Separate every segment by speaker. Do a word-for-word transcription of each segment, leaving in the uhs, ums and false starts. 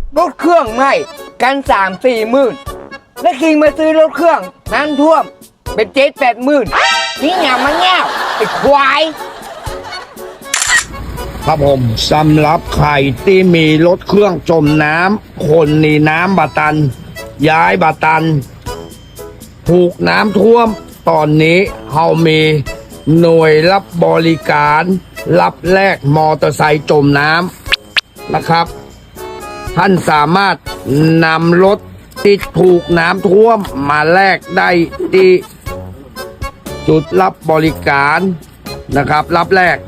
Speaker 1: รถเครื่องใหม่กันสามสี่หมื่นแล้วคิงมาซื้อรถเครื่องน้ำท่วมเป็นเจ็ดแปดหมื่นนี่อย่ามาแง่วไอ้ควาย
Speaker 2: ครับผมสำหรับใครที่มีรถเครื่องจมน้ำคนหนีน้ำบาตัน ย้ายบาตัน ถูกน้ำท่วมตอนนี้เรามีหน่วยรับบริการ รับแลกมอเตอร์ไซค์จมน้ำนะครับ ท่านสามารถนำรถที่ถูกน้ำท่วมมาแลกได้ที่จุดรับบริการนะครับ รับแลก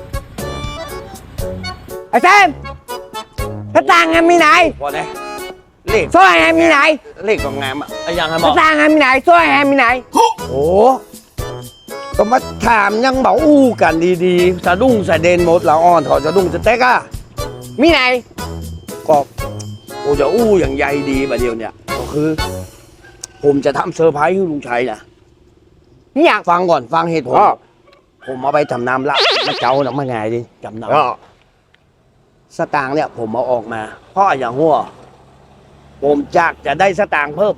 Speaker 1: ไอ้แซมกระตังงานมีไหน
Speaker 3: พอเนี่ยเลข
Speaker 1: สร้อยงานมีไหน
Speaker 3: เลขของงามอ่ะไอ้ยังไงหม
Speaker 1: ก
Speaker 3: อ
Speaker 1: ระตังงานมีไหนสร้อยงานมีไหน
Speaker 3: โอ้ก็มาถามยังบอกอู้กันดีๆสะดุ้งสะเด็นหมดละอ่อนถอดสะดุ้งสะเต็กอ่ะ
Speaker 1: มีไหน
Speaker 3: ก็โอ้จะอู้อย่างใยดีประเดี๋ยวเนี่ยก็คือ ผมจะทำเซอร์ไพรส์ให้ลุงชัยนะ
Speaker 1: นี่อยาก
Speaker 3: ฟังก่อนฟังเหตุผล
Speaker 1: อ้อ
Speaker 3: ผมเอาไปทำน้ำละมาเจ้าหนักมาไงดิจำนำสตางค์เนี่ย ผมเอาออกมาเพราะอย่างหัวผมจากจะได้สตางค์เพิ่ม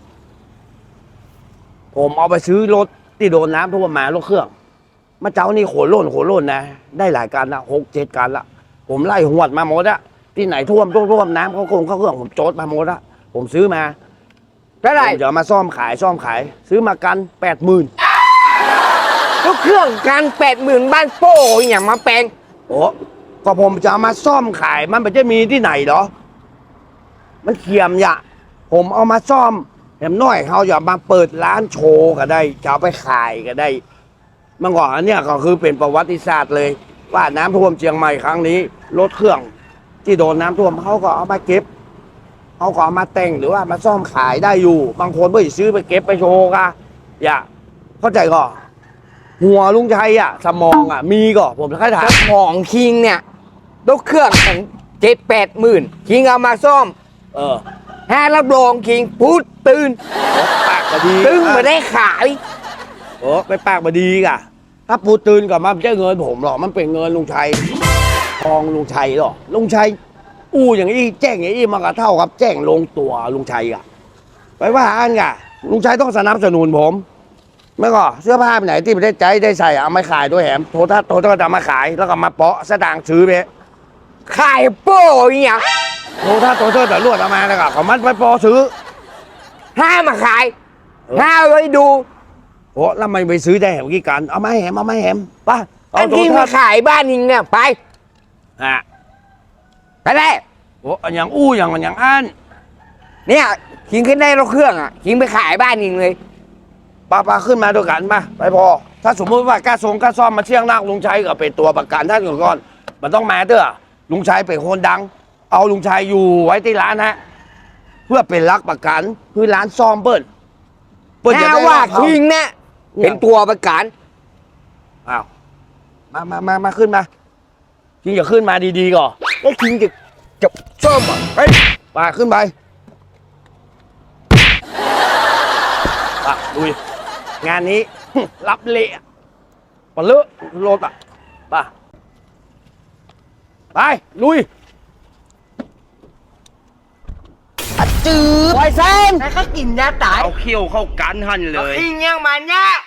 Speaker 3: ผมเอาไปซื้อรถที่โดนน้ำท่วมมารถเครื่องมาเจ้านี่โขนล่นโขนล่นนะได้หลายการละหกเจ็ดการละผมไล่หวดมาหมดอะที่ไหนท่วมท่วมท่วมน้ำเขาคงเข้าเครื่องผมโจทย์มาหมดอะผมซื้อมา
Speaker 1: เท่าไหร่
Speaker 3: ผมจะเอามาซ่อมขายซ่อมขาย ซื้อมากันแปดหมื่น
Speaker 1: รถเครื่องการแปดหมื่นบ้านโป้อย่างมาแปลง
Speaker 3: โอ้ก็ผมจะเอามาซ่อมขายมันไม่จะมีที่ไหนเหรอมันเขียมอย่าผมเอามาซ่อมแถมน้อยเขาอย่ามาเปิดร้านโชว์ก็ได้จะเอาไปขายก็ได้เมื่อก่อนอันเนี้ยก็คือเป็นประวัติศาสตร์เลย ว่าน้ำท่วมเชียงใหม่ครั้งนี้รถเครื่องที่โดนน้ำท่วมเขาก็เอามาเก็บเขาก็เอามาแต่งหรือว่ามาซ่อมขายได้อยู่ บางคนไม่ซื้อไปเก็บไปโชว์ก็อย่าเข้าใจก่อนหัวลุงชัยอ่ะสมองอ่ะมีก็ผมจะค่อยถาม
Speaker 1: ของคิงเนี่ยรถเครื่องของเจ็ดแปดหมื่นคิงเอามาซ่อม
Speaker 3: เออ
Speaker 1: ห้ารับรองคิงพูดตื่น
Speaker 3: ปากบดี
Speaker 1: ตึงมาได้ขาย
Speaker 3: โอ้ไปปากบดีกะถ้าปูตื่นกับมันไม่ใช่เงินผมหรอกมันเป็นเงินลุงชัยทองลุงชัยหรอกลุงชัยอู้อย่างนี้แจ้งอย่างนี้มันก็เท่ากับแจ้งลงตัวลุงชัยอ่ะไปว่าอันกะลุงชัยต้องสนับสนุนผมไม่ก็เสื้อผ้าไปไหนที่ไม่ได้ใจได้ใส่เอามาขายด้วยแหมโทรทัศน์โทรทัศน์ก็จะมาขายแล้วก็มาเปาะสตางค์ซื้อไป
Speaker 1: ขายโป้อย่าง
Speaker 3: โทรทัศน์โทรทัศน์แต่ลวดเอามาแล้วก็เขามันไปปอซื้อ
Speaker 1: ห้ามาขาย
Speaker 3: เออ
Speaker 1: ห้าไว้ดู
Speaker 3: โอ้แล้วมันไปซื้อได้แหมกี่กันเอามาให้แหมเอามาให้แหมป่ะ
Speaker 1: อั
Speaker 3: เอา
Speaker 1: น
Speaker 3: โทร
Speaker 1: ที่
Speaker 3: ทั
Speaker 1: มา
Speaker 3: ศน์
Speaker 1: ขายบ้านนิงเนี่ยไป
Speaker 3: อ่ะ
Speaker 1: ไปเลย
Speaker 3: โอ้อย่างอู้อย่างอย่างอัน
Speaker 1: เนี่ยคิงขึ้นได้รถเครื่องอ่ะคิงไปขายบ้านนิงเลย
Speaker 3: ป้าป้าขึ้นมาด้วยกันมาไปพอ ถ้าสมมติว่ากล้าทรงกล้าซ่อมมาเชี่ยงนักลุงชัยก็เป็นตัวประกันท่านก่อนมันต้องมาเด้อลุงชัยเป็นคนดัง เอาลุงชัยอยู่ไว้ที่ร้านฮะเพื่อเป็นรักประกันเพื่อร้านซ่อมเปิ้ลเปิ้ลจะ
Speaker 1: แค่
Speaker 3: ได้
Speaker 1: ว่า
Speaker 3: รับเขา
Speaker 1: คิงเนี่ย
Speaker 3: เนี่ย
Speaker 1: เป็นตัวประกัน
Speaker 3: อ้าวมามามามาขึ้นมาคิงอย่าขึ้นมาดีๆก่อน
Speaker 1: แล้วคิงจะจะซ่อมอ่ะ
Speaker 3: ไปมาขึ้นไปอ่ะลุยงานนี้ รับเละปะเลอะโลดอ่ะป่ะไปลุย
Speaker 1: จืดไวเซนแล้วก็กินยาตาย
Speaker 3: เอาเขี้ยวเข้ากันหันเลย
Speaker 1: คิงยังมันเนี่ย